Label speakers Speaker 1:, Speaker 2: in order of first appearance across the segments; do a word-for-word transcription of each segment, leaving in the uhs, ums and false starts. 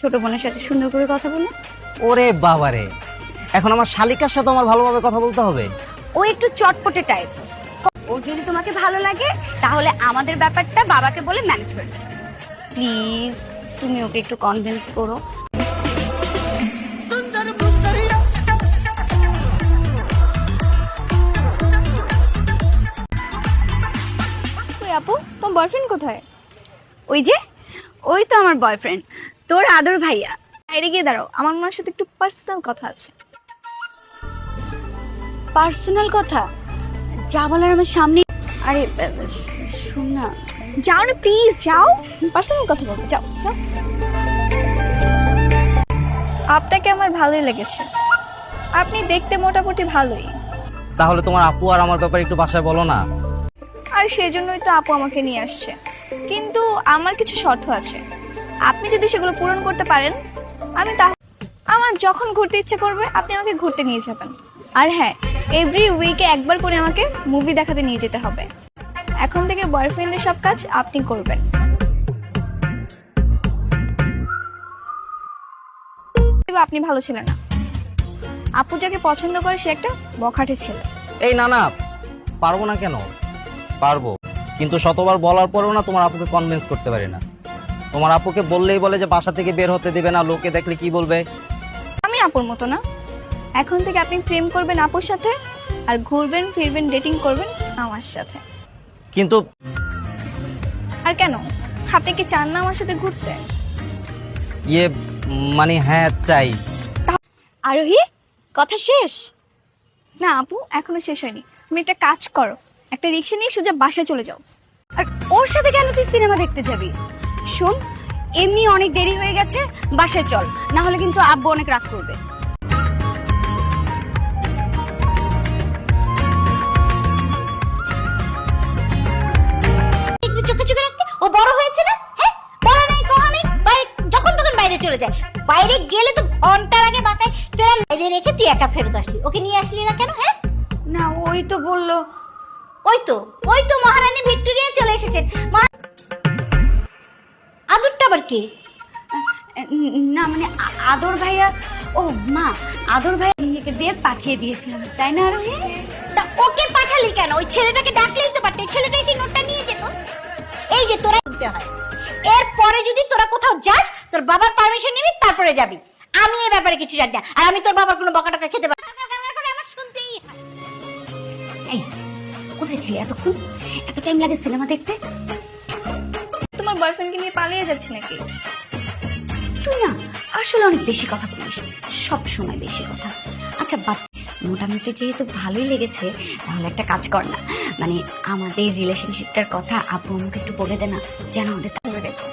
Speaker 1: ছোট বোনের সাথে সুন্দর করে কথা বলো।
Speaker 2: ওরে বাবারে, এখন আমার শালিকার সাথে আমার ভালোভাবে কথা বলতে হবে?
Speaker 1: ও একটু চটপটে টাইপ। ও যদি তোমাকে ভালো লাগে তাহলে আমাদের ব্যাপারটা বাবাকে বলে ম্যানেজ করে দেবে। প্লিজ তুমি ওকে একটু কনভিন্স করো। ওই আপু, তোমার বয়ফ্রেন্ড কোথায়? ওই যে, ওই তো আমার বয়ফ্রেন্ড, তোর আদর ভাইয়া। বাইরে গিয়ে দাঁড়াও, আমার ওনার সাথে একটু পার্সোনাল কথা আছে। পার্সোনাল কথা? যা বলার আমার সামনে। আরে শোন না, যাও না প্লিজ, যাও, পার্সোনাল কথা বলবো, যাও যাও। আপনাকে আমার ভালোই লেগেছে, আপনি দেখতে মোটামুটি ভালোই।
Speaker 2: তাহলে তোমার আপু আর আমার ব্যাপারে একটু বাসায় বলো না।
Speaker 1: আর সেই জন্যই তো আপু আমাকে নিয়ে আসছে, কিন্তু আমার কিছু শর্ত আছে। আপনি যদি সেগুলো পূরণ করতে পারেন, আমি তা আমার যখন ঘুরতে ইচ্ছে করবে আপনি আমাকে ঘুরতে নিয়ে যাবেন। আর হ্যাঁ, এভরি উইকে একবার করে আমাকে মুভি দেখাতে নিয়ে যেতে হবে। এখন থেকে বয়ফ্রেন্ডের সব কাজ আপনি করবেন। আপনি ভালো ছিলেন না, আপু যাকে পছন্দ করে সে একটা বখাটে ছেলে।
Speaker 2: এই না না, পারবো না কেন? পারবো, কিন্তু শতবার বলার পরেও না তোমার আপুকে কনভিন্স করতে পারি না। তোমার আপুকে বললেই বলে যে বাসা থেকে বের হতে দিবে না, লোকে দেখলে কি বলবে।
Speaker 1: আমি আপুর মতো না। এখন থেকে আপনি প্রেম করবেন আপুর সাথে, আর ঘুরবেন ফিরবেন ডেটিং করবেন আমার সাথে।
Speaker 2: কিন্তু
Speaker 1: আর কেন, আপনি কি চান না আমার সাথে ঘুরতে?
Speaker 2: ইয়ে মানে হ্যাঁ চাই।
Speaker 1: আরোহী, কথা শেষ? না আপু, এখনো শেষ হয়নি। তুমি একটা কাজ করো, একটা রিক্সা নিয়ে সোজা বাসায় চলে যাও। আর ওর সাথে কেন তুই সিনেমা দেখতে যাবি? শোন, এমনি অনেক দেরি হয়ে গেছে, বাসায় চল, না হলে কিন্তু আব্বু অনেক রাগ করবে।
Speaker 3: চোখে চোখে রাখতে ও বড় হয়েছে না? হ্যাঁ, বলা নেই কথা নেই, বাইরে যখন তখন বাইরে চলে যায়। বাইরে গেলে তো ঘন্টার আগে বাসায় ফেরান, বাইরে রেখে তুই একা ফেরত আসলি। ওকে নিয়ে আসলি না কেন? হ্যাঁ
Speaker 1: না, ওই তো বললো।
Speaker 3: ওই তো ওই তো মহারানী ভিক্টোরিয়া চলে এসেছেন। আদরটা আবার কি?
Speaker 1: না মানে আ- আদর ভাইয়া। ও মা, আদর ভাইয়া দিয়ে পাঠিয়ে দিয়েছিলাম, তাই না আরোহী?
Speaker 3: তা ওকে পাঠালি কেন? ওই ছেলেটাকে ডাকলেই তো পারতে, ছেলেটা এসে নোটটা নিয়ে যেত। এই যে তোরা দিতে হয়, এরপরে যদি তোরা কোথাও যাস তোর বাবার পারমিশন নিবি, তারপরে যাবি। আমি এই ব্যাপারে কিছু জানি না, আর আমি তোর বাবার কোনো বকা টকা খেতে পারি না। আমার শুনতেই হয়।
Speaker 1: এই কোথায় ছিলে এতক্ষণ? এত টাইম লাগে সিনেমা দেখতে? তোমার বয়ফ্রেন্ডকে নিয়ে পালিয়ে যাচ্ছে নাকি? তুই না আসলে অনেক বেশি কথা বলিস, সব সময় বেশি কথা। আচ্ছা বাদ, মোটামুটি যেহেতু ভালোই লেগেছে, তাহলে একটা কাজ কর না, মানে আমাদের রিলেশনশিপটার কথা আপু আমাকে একটু বলে দে না, যেন আমাদের তাহলে দেখো।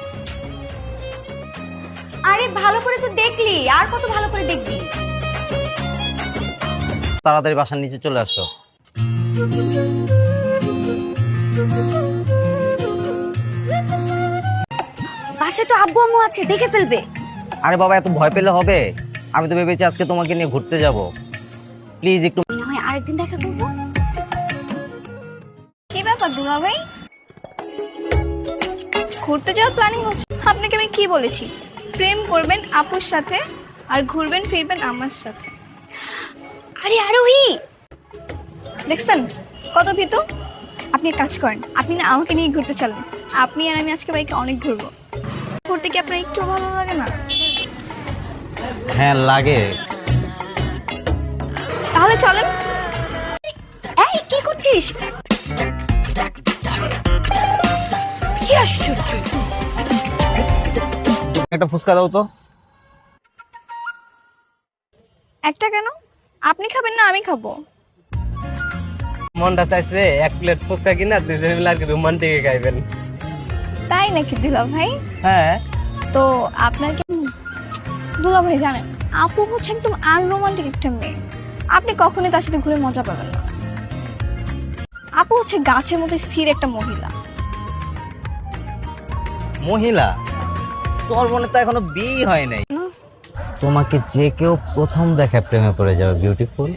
Speaker 1: আরে ভালো করে তো দেখলি, আর কত ভালো করে দেখবি?
Speaker 2: তাড়াতাড়ি বাসার নিচে চলে আসো।
Speaker 1: বাসায় তো আব্বু আম্মু আছে, দেখে ফেলবে।
Speaker 2: আরে বাবা, এত ভয় পেলে হবে? আমি তো ভেবেছি আজকে তোমাকে নিয়ে ঘুরতে যাব। প্লিজ একটু।
Speaker 1: না হয় আরেকদিন দেখা করবো। কি ব্যাপার দুলা ভাই, ঘুরতে যাওয়ার প্ল্যানিং হচ্ছে? আপনাকে আমি কি বলেছি, প্রেম করবেন আপুর সাথে আর ঘুরবেন ফিরবেন আমার সাথে। আরে আরোহী, দেখছেন কত ভীতু। আপনি এক কাজ করেন, আপনি না আমাকে নিয়ে ঘুরতে চলেন। আপনি আর আমি আজকে বাইকে অনেক ঘুরবো। ঘুরতে কি আপনার একটু ভালো লাগে না?
Speaker 2: হ্যাঁ লাগে।
Speaker 1: তাহলে চলেন। এই কি করছিস? কি আশ্চর্য।
Speaker 2: একটা ফুচকা দাও তো।
Speaker 1: একটা কেন? আপনি খাবেন না আমি খাবো?
Speaker 4: মনটা চাইছে এক প্লেট ফুচকা কিনা দুজনে মিলে আর কি রোমান্টিক খাইবেন।
Speaker 1: তাই নাকি দুলা ভাই?
Speaker 2: হ্যাঁ।
Speaker 1: তো আপনার কি দুলা ভাই জানেন, আপু হচ্ছে একদম আনরোমান্টিক একটা মেয়ে। আপনি কখনোই তার সাথে ঘুরে মজা পাবেন না। আপু হচ্ছে গাছের মতো স্থির একটা মহিলা।
Speaker 2: মহিলা? তোমার মনে তো এখনো বিয়ে হয় নাই।
Speaker 1: না,
Speaker 2: তোমাকে যে কেউ প্রথম দেখা প্রেমে পড়ে যাবে বিউটিফুল।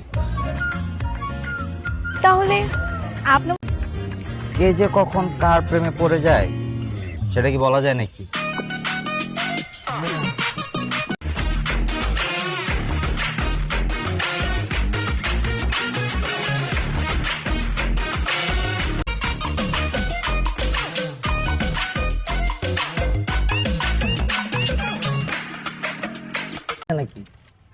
Speaker 1: তাহলে আপনার
Speaker 2: কে যে কখন কার প্রেমে পড়ে যায় সেটা কি বলা যায় নাকি? নাকি?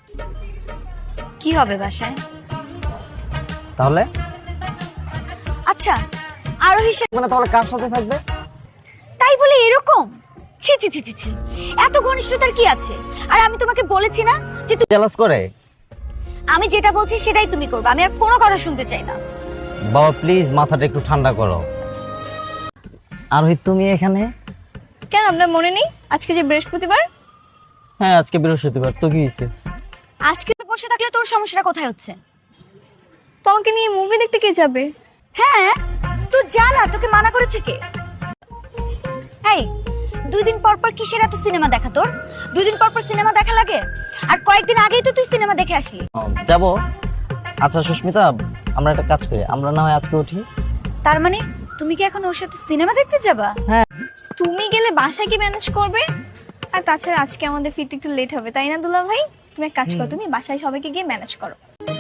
Speaker 1: কি হবে বাসায়?
Speaker 2: তাহলে
Speaker 1: আচ্ছা আরোহীর সাথে
Speaker 2: মানে তাহলে কার সাথে থাকবে?
Speaker 1: তাই বলে এরকম? ছি ছি ছি ছি ছি, এত ঘনিষ্ঠতার কি আছে? আর আমি তোমাকে বলেছি না যে তুমি,
Speaker 2: জেলাস করে?
Speaker 1: আমি যেটা বলছি সেটাই তুমি করবে, আমি আর কোনো কথা শুনতে চাই না।
Speaker 2: বাবা প্লিজ মাথাটা একটু ঠান্ডা করো। আর ওই তুমি এখানে?
Speaker 1: কেন আপনার মনে নেই আজকে যে বৃহস্পতিবার?
Speaker 2: হ্যাঁ আজকে বৃহস্পতিবার, তো কি হয়েছে?
Speaker 1: আজকে তো বসে থাকলে তোর সমস্যাটা কোথায় হচ্ছে? তোমাকে নিয়ে মুভি দেখতে কে যাবে? হ্যাঁ তুই যা না, তোকে মানা করেছে কে? এই দুই দিন পর পর কিসের এত সিনেমা দেখা তোর? দুই দিন পর পর সিনেমা দেখা লাগে? আর কয়েকদিন আগেই তো তুই সিনেমা দেখে আসলি।
Speaker 2: যাব। আচ্ছা সুস্মিতা, আমরা একটা কাজ করি, আমরা না হয় আজকে উঠি।
Speaker 1: তার মানে তুমি কি এখন ওর সাথে সিনেমা দেখতে যাবা?
Speaker 2: হ্যাঁ।
Speaker 1: তুমি গেলে বাসায় কি ম্যানেজ করবে? আর তাছাড়া আজকে আমাদের ফিরতে একটু লেট হবে, তাই না দুলা ভাই? তুমি এক কাজ করো, তুমি বাসায় সবাইকে গিয়ে ম্যানেজ করো।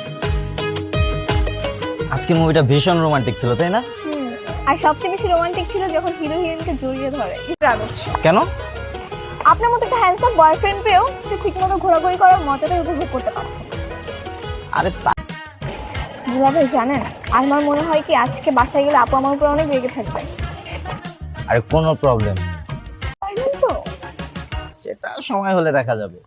Speaker 2: আজকে মুভিটা ভীষণ রোমান্টিক ছিল, তাই না?
Speaker 1: আর সবচেয়ে বেশি রোমান্টিক ছিল যখন হিরো হিরোইনকে জড়িয়ে ধরে।
Speaker 2: কেন?
Speaker 1: আপনার মতো একটা হ্যান্ডসাম বয়ফ্রেন্ড পেয়েও সে ঠিকমতো ঘোরাঘুরি করার মজাটা উপভোগ করতে পারছে না।
Speaker 2: আরে তা-
Speaker 1: দুলা ভাই জানেন, আমার মনে হয় কি আজকে বাসায় গেলে আপু আমার উপর অনেক রেগে থাকবে।
Speaker 2: আরে কোনো প্রবলেম নেই,
Speaker 1: পারবেন তো?
Speaker 2: সেটা সময় হলে দেখা যাবে।